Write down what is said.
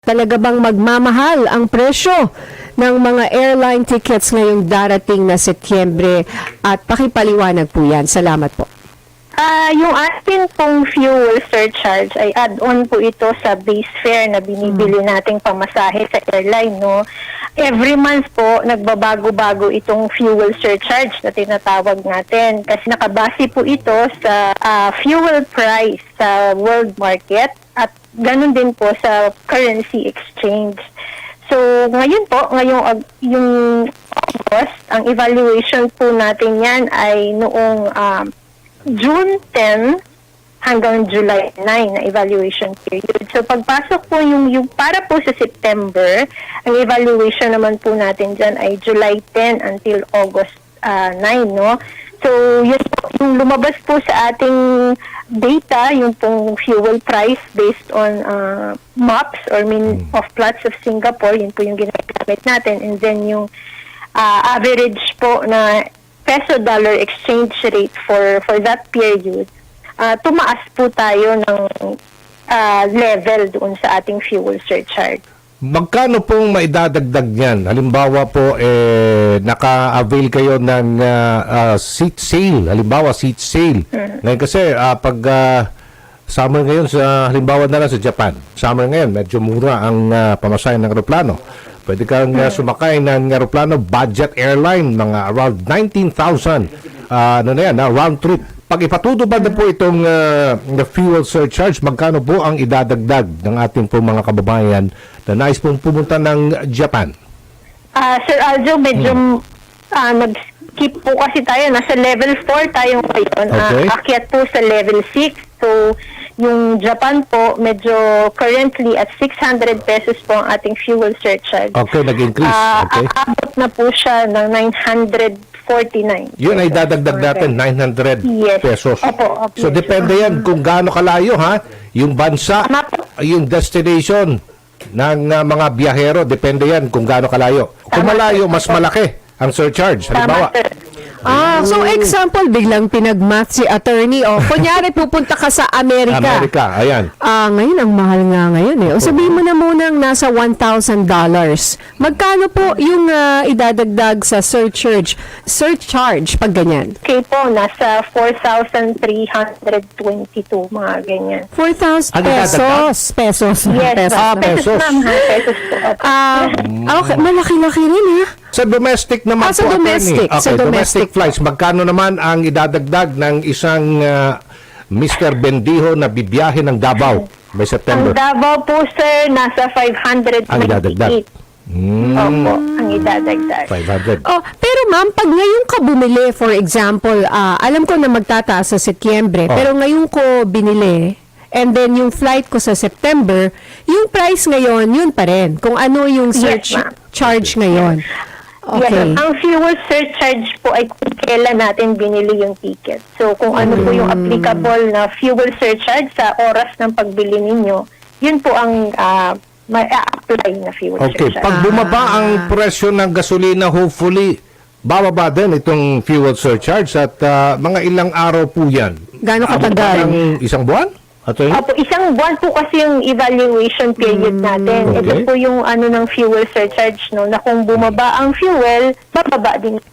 Talaga bang magmamahal ang presyo ng mga airline tickets ngayong darating na Setyembre? At pakipaliwanag po yan. Salamat po. Yung atin pong fuel surcharge ay add-on po ito sa base fare na binibili nating pamasahe sa airline, no? Every month po, nagbabago-bago itong fuel surcharge na tinatawag natin kasi nakabase po ito sa fuel price sa world market at ganun din po sa currency exchange. So, ngayon po, yung August, ang evaluation po natin yan ay noong June 10 hanggang July 9 na evaluation period. So, pagpasok po yung para po sa September, ang evaluation naman po natin dyan ay July 10 until August 9, no? So, yung lumabas po sa ating data, yung pong fuel price based on MOPS or mean of plots of Singapore, yun po yung ginagamit natin. And then yung average po na peso-dollar exchange rate for that period, tumaas po tayo ng level doon sa ating fuel surcharge. Magkano pong maidadagdag niyan? Halimbawa po, naka-avail kayo ng seat sale. Halimbawa, seat sale. Ngayon kasi, pag summer ngayon, halimbawa na lang sa Japan, summer ngayon, medyo mura ang pamasahe ng aeroplano. Pwede kang sumakay ng aeroplano, budget airline, mga around 19,000 round trip. Pag ipatutupad na po itong fuel surcharge, magkano po ang idadagdag ng ating po mga kababayan na nais pong pumunta ng Japan? Sir Aljo, medyo nag-skip po kasi tayo. Nasa level 4 tayo ngayon. Okay. Akyat po sa level 6. So, yung Japan po, medyo currently at 600 pesos po ang ating fuel surcharge. Okay, nag-increase. Okay. Aabot na po siya ng 949. Yun ay dadagdag natin, 900 Yes. pesos. Opo. So, depende yan kung gaano kalayo, ha? Yung bansa, yung destination ng mga biyahero, depende yan kung gaano kalayo. Kung malayo, mas malaki ang surcharge. Halimbawa, Tama, sir. So example, biglang pinag-math si attorney. O, kunyari pupunta ka sa Amerika. Amerika, ayan. Ngayon, ang mahal nga ngayon eh. O sabihin mo na munang nasa $1,000. Magkano po yung idadagdag sa surcharge pag ganyan? Okay po, nasa 4,322, mga ganyan. 4,000 Ano pesos. Pesos. Yes, Pesos. pesos, ma'am, ha? Pesos po. Okay, malaki-laki rin ha. Sa domestic naman Sa po, domestic. attorney. Sa Okay, domestic. flights. Magkano naman ang idadagdag ng isang Mr. Bendijo na bibiyahe ng Davao by Ang September? Davao po, sir, nasa 598. Ang idadagdag. Opo, ang idadagdag. 500. Oh, pero ma'am, pag ngayon ka bumili, for example, alam ko na magtataas sa Setyembre, pero ngayon ko binili, and then yung flight ko sa September, yung price ngayon, yun pa rin. Kung ano yung Yes, ma'am. charge ngayon. Yes, Okay. ang fuel surcharge po ay kung kailan natin binili yung ticket. So, kung ano po yung applicable na fuel surcharge sa oras ng pagbili ninyo, yun po ang ma-apply na fuel Okay, surcharge. pag bumaba ang presyo ng gasolina, hopefully, bababa din itong fuel surcharge at mga ilang araw po yan. Gaano katagal? Parang isang buwan? Attorney? Opo, isang buwan po kasi yung evaluation period natin. Okay. Ito po yung ano ng fuel surcharge, no, na kung bumaba ang fuel, bababa din